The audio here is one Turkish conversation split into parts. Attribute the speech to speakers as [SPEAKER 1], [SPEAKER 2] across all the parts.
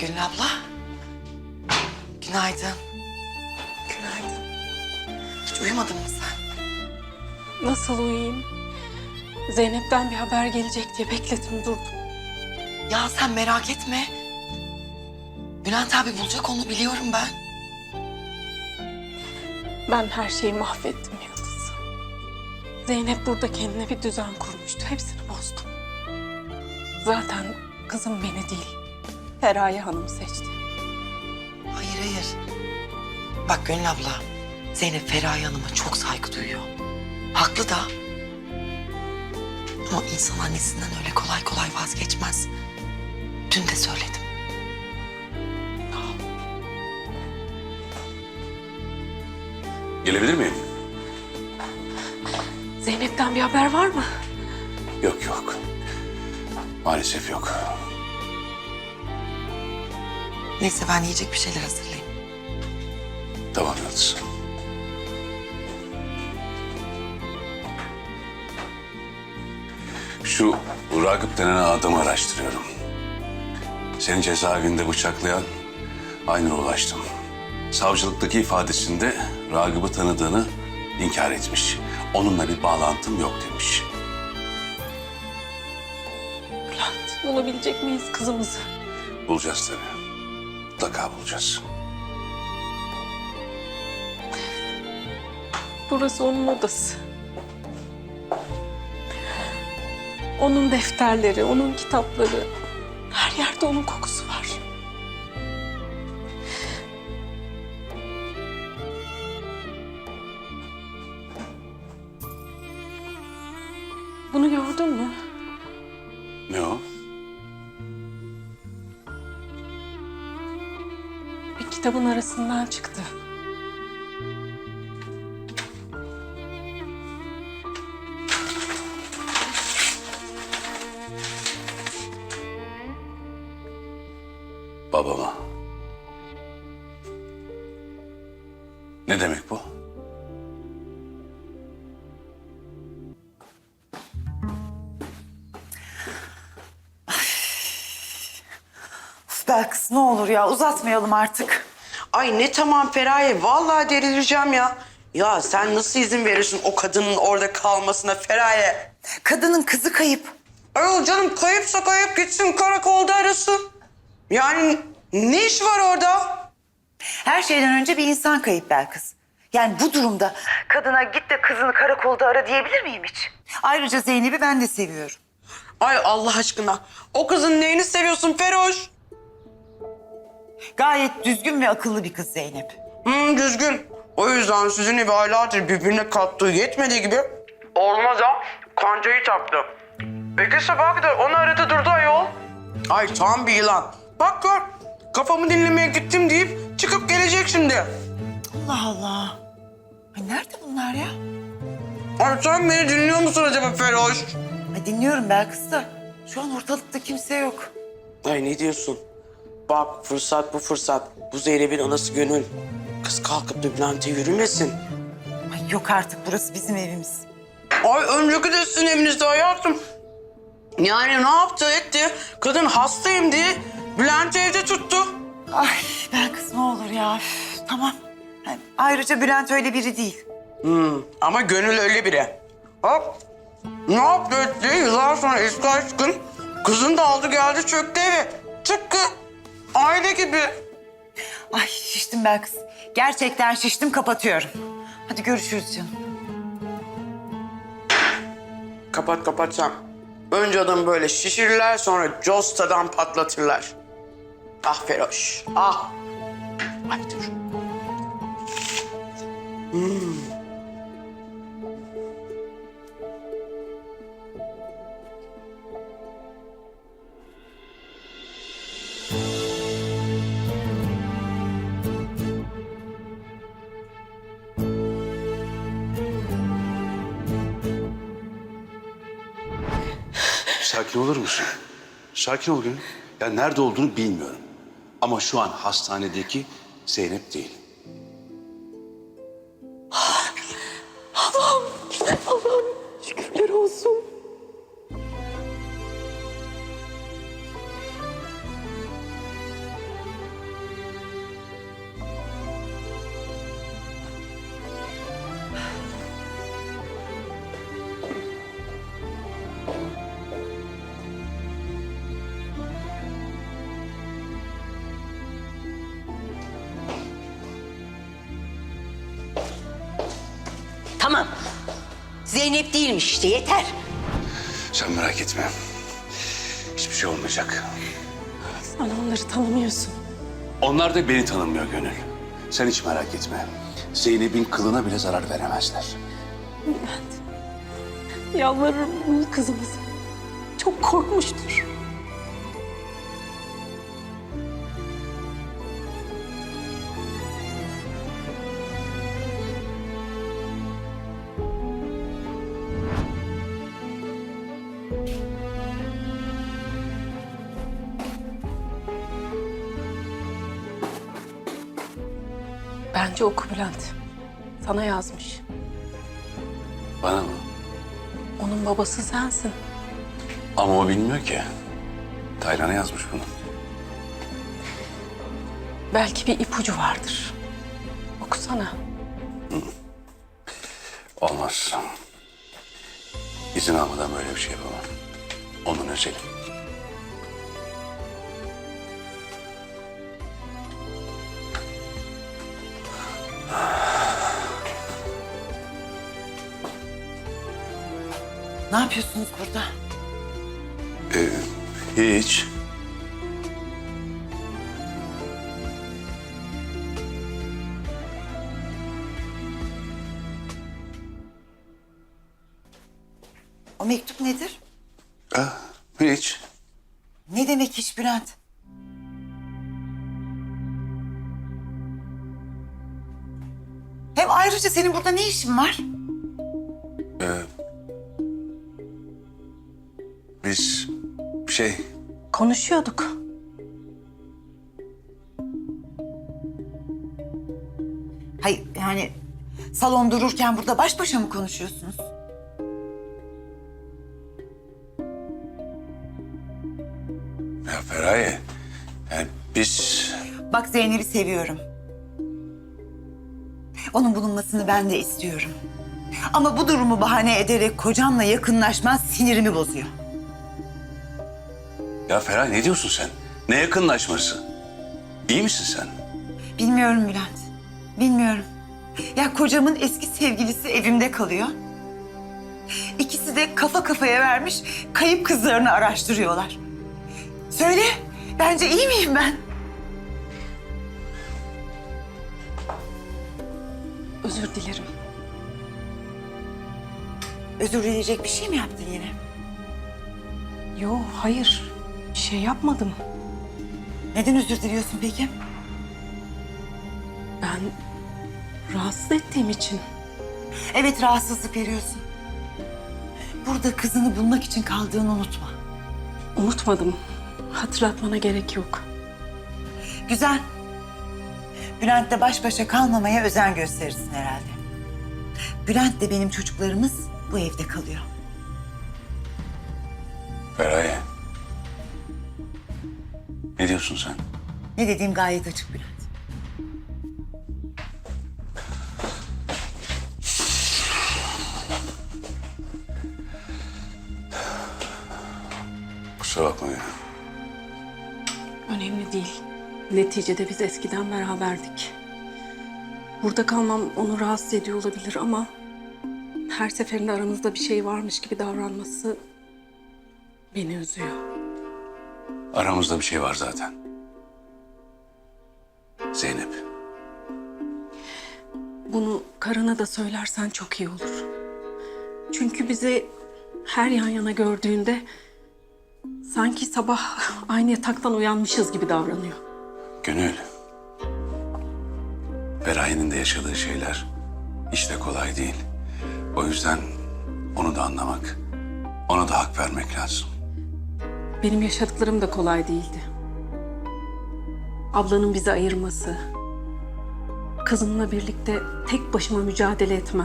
[SPEAKER 1] Gülün abla. Günaydın.
[SPEAKER 2] Günaydın.
[SPEAKER 1] Hiç uyumadın mı sen?
[SPEAKER 2] Nasıl uyuyayım? Zeynep'ten bir haber gelecek diye bekledim durdum.
[SPEAKER 1] Ya sen merak etme. Bülent abi bulacak, onu biliyorum ben.
[SPEAKER 2] Ben her şeyi mahvettim Yıldız. Zeynep burada kendine bir düzen kurmuştu. Hepsini bozdum. Zaten kızım beni değil, Feraye Hanım seçti.
[SPEAKER 1] Hayır hayır. Bak Gönül abla, Zeynep Feraye Hanım'a çok saygı duyuyor. Haklı da. Ama insan annesinden öyle kolay kolay vazgeçmez. Dün de söyledim.
[SPEAKER 3] Gelebilir miyim?
[SPEAKER 2] Zeynep'ten bir haber var mı?
[SPEAKER 3] Yok yok. Maalesef yok.
[SPEAKER 1] Neyse ben yiyecek bir şeyler hazırlayayım.
[SPEAKER 3] Tamam Yıldız. Şu Ragıp denen adamı araştırıyorum. Seni cezaevinde bıçaklayan Aynur'a ulaştım. Savcılıktaki ifadesinde Ragıp'ı tanıdığını inkar etmiş. Onunla bir bağlantım yok demiş.
[SPEAKER 2] Bülent, bulabilecek miyiz kızımızı?
[SPEAKER 3] Bulacağız tabii. Mutlaka bulacağız.
[SPEAKER 2] Burası onun odası. Onun defterleri, onun kitapları. Her yerde onun kokusu var. Bunu gördün mü?
[SPEAKER 3] Ne o?
[SPEAKER 2] Bir kitabın arasından çıktı.
[SPEAKER 3] Babama. Ne demek bu?
[SPEAKER 4] Belkıs ne olur ya uzatmayalım artık.
[SPEAKER 5] Ay ne tamam Feraye, vallahi delireceğim ya. Ya sen nasıl izin verirsin o kadının orada kalmasına Feraye?
[SPEAKER 4] Kadının kızı kayıp.
[SPEAKER 5] Ayol canım kayıpsa kayıp gitsin karakolda arasın. Yani ne iş var orada?
[SPEAKER 4] Her şeyden önce bir insan kayıp Belkıs. Yani bu durumda kadına git de kızını karakolda ara diyebilir miyim hiç? Ayrıca Zeynep'i ben de seviyorum.
[SPEAKER 5] Ay Allah aşkına o kızın neyini seviyorsun Feroş?
[SPEAKER 4] Gayet düzgün ve akıllı bir kız Zeynep.
[SPEAKER 5] Düzgün. O yüzden sizin evi aylardır birbirine kattığı yetmediği gibi olmaz ha. Kancayı taktı. Peki sabah kadar onu aradı durdu ayol. Ay tam bir yılan. Bak gör. Kafamı dinlemeye gittim deyip çıkıp gelecek şimdi.
[SPEAKER 4] Allah Allah. Ay nerede bunlar ya?
[SPEAKER 5] Ay sen beni dinliyor musun acaba Feroş?
[SPEAKER 4] Ay dinliyorum Belkıs da şu an ortalıkta kimse yok.
[SPEAKER 5] Ay ne diyorsun? Bak fırsat bu fırsat. Bu Zeynep'in anası Gönül. Kız kalkıp da Bülent'e yürümesin.
[SPEAKER 4] Ay yok artık burası bizim evimiz.
[SPEAKER 5] Ay önceki de sizin evinizde hayatım. Yani ne yaptı etti? Kadın hastayım diye Bülent'i evde tuttu.
[SPEAKER 4] Ay Belkıs ne olur ya. Üf, tamam. Yani ayrıca Bülent öyle biri değil.
[SPEAKER 5] Ama Gönül öyle biri. Hop. Ne yaptı etti? Yıllar sonra eski aşkın. Kızını da aldı geldi çöktü eve. Tıpkı aile gibi.
[SPEAKER 4] Ay şiştim Belkıs. Gerçekten şiştim, kapatıyorum. Hadi görüşürüz canım.
[SPEAKER 5] Kapat kapat sen. Önce adamı böyle şişirirler sonra costadan patlatırlar. Ah Feroş, ah. Ay dur.
[SPEAKER 3] Sakin olur musun? Sakin ol Gönül. Ya nerede olduğunu bilmiyorum. Ama şu an hastanedeki Zeynep değil.
[SPEAKER 2] Allah'ım şükürler olsun.
[SPEAKER 6] Zeynep değilmiş işte, yeter.
[SPEAKER 3] Sen merak etme. Hiçbir şey olmayacak.
[SPEAKER 2] Sen onları tanımıyorsun.
[SPEAKER 3] Onlar da beni tanımıyor Gönül. Sen hiç merak etme. Zeynep'in kılına bile zarar veremezler.
[SPEAKER 2] Bülent, yalvarırım bul kızımızı. Çok korkmuştur. Bence oku Bülent. Sana yazmış.
[SPEAKER 3] Bana mı?
[SPEAKER 2] Onun babası sensin.
[SPEAKER 3] Ama o bilmiyor ki. Taylan'a yazmış bunu.
[SPEAKER 2] Belki bir ipucu vardır. Okusana.
[SPEAKER 3] Olmaz. İzin almadan böyle bir şey yapamam. Onun özeli.
[SPEAKER 4] Ne yapıyorsunuz burada?
[SPEAKER 3] Hiç.
[SPEAKER 4] O mektup nedir?
[SPEAKER 3] Hiç.
[SPEAKER 4] Ne demek iş Bülent? Hem ayrıca senin burada ne işin var?
[SPEAKER 3] Biz
[SPEAKER 2] Konuşuyorduk.
[SPEAKER 4] Hayır yani salon dururken burada baş başa mı konuşuyorsunuz?
[SPEAKER 3] Ya Feraye, yani biz...
[SPEAKER 4] Bak Zeynep'i seviyorum. Onun bulunmasını ben de istiyorum. Ama bu durumu bahane ederek kocamla yakınlaşman sinirimi bozuyor.
[SPEAKER 3] Ya Feraye ne diyorsun sen? Ne yakınlaşması? İyi misin sen?
[SPEAKER 4] Bilmiyorum Bülent. Bilmiyorum. Ya kocamın eski sevgilisi evimde kalıyor. İkisi de kafa kafaya vermiş kayıp kızlarını araştırıyorlar. Söyle, bence iyi miyim ben?
[SPEAKER 2] Özür dilerim.
[SPEAKER 4] Özür dileyecek bir şey mi yaptın yine?
[SPEAKER 2] Yo, hayır. Bir şey yapmadım.
[SPEAKER 4] Neden özür diliyorsun peki?
[SPEAKER 2] Ben rahatsız ettiğim için.
[SPEAKER 4] Evet, rahatsızlık veriyorsun. Burada kızını bulmak için kaldığını unutma.
[SPEAKER 2] Unutmadım. Hatırlatmana gerek yok.
[SPEAKER 4] Güzel. Bülent'le baş başa kalmamaya özen gösterirsin herhalde. Bülent'le benim çocuklarımız bu evde kalıyor.
[SPEAKER 3] Feraye. Ne diyorsun sen?
[SPEAKER 4] Ne dediğim gayet açık Bülent.
[SPEAKER 3] Kusura bakma ya.
[SPEAKER 2] Önemli değil. Neticede biz eskiden beraberdik. Burada kalmam onu rahatsız ediyor olabilir ama... her seferinde aramızda bir şey varmış gibi davranması beni üzüyor.
[SPEAKER 3] Aramızda bir şey var zaten. Zeynep.
[SPEAKER 2] Bunu karına da söylersen çok iyi olur. Çünkü bizi her yan yana gördüğünde sanki sabah aynı yataktan uyanmışız gibi davranıyor.
[SPEAKER 3] Gönül. Feraye'nin de yaşadığı şeyler hiç de kolay değil. O yüzden onu da anlamak, ona da hak vermek lazım.
[SPEAKER 2] Benim yaşadıklarım da kolay değildi. Ablanın bizi ayırması, kızımla birlikte tek başıma mücadele etmem.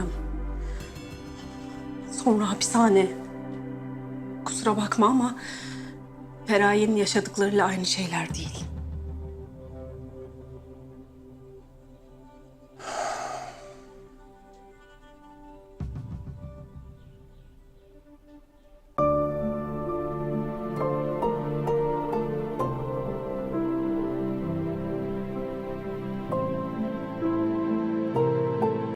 [SPEAKER 2] Sonra hapishane. Kusura bakma ama Feraye'nin yaşadıklarıyla aynı şeyler değil.